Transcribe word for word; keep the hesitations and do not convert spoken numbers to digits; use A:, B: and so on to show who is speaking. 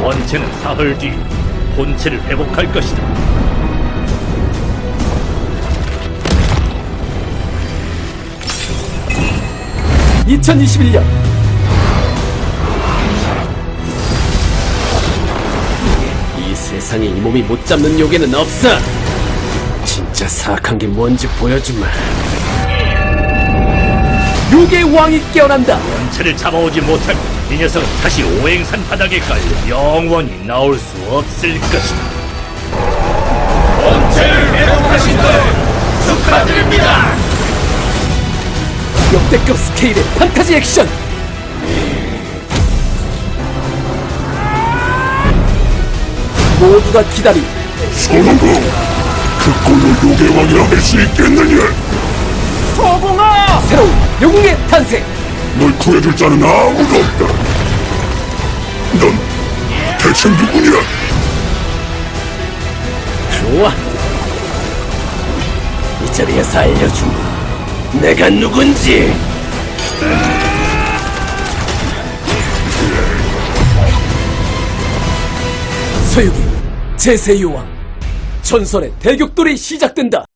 A: 원체는 사흘 뒤 본체를 회복할 것이다.
B: 이천이십일 년 이 세상에 이 몸이 못 잡는 요괴는 없어. 진짜 사악한 게 뭔지 보여주마. 요괴의 왕이 깨어난다.
A: 원체를 잡아오지 못하면 이 녀석은 다시 오행산 바닥에 깔려 영원히 나올 수 없을 것이다. 원체를 회복하신 걸 축하드립니다.
B: 역대급 스케일의 판타지 액션. 모두가 기다린
C: 소나무, 그 꼴로 요괴왕이라 할 수 있겠느냐?
B: 서공아! 새로운 영웅의 탄생.
C: 널 구해줄 자는 아무도 없다. 넌 대체 누구냐?
B: 좋아. 이 자리에서 알려주마. 내가 누군지. 서유기 제세요왕 전설의 대격돌이 시작된다.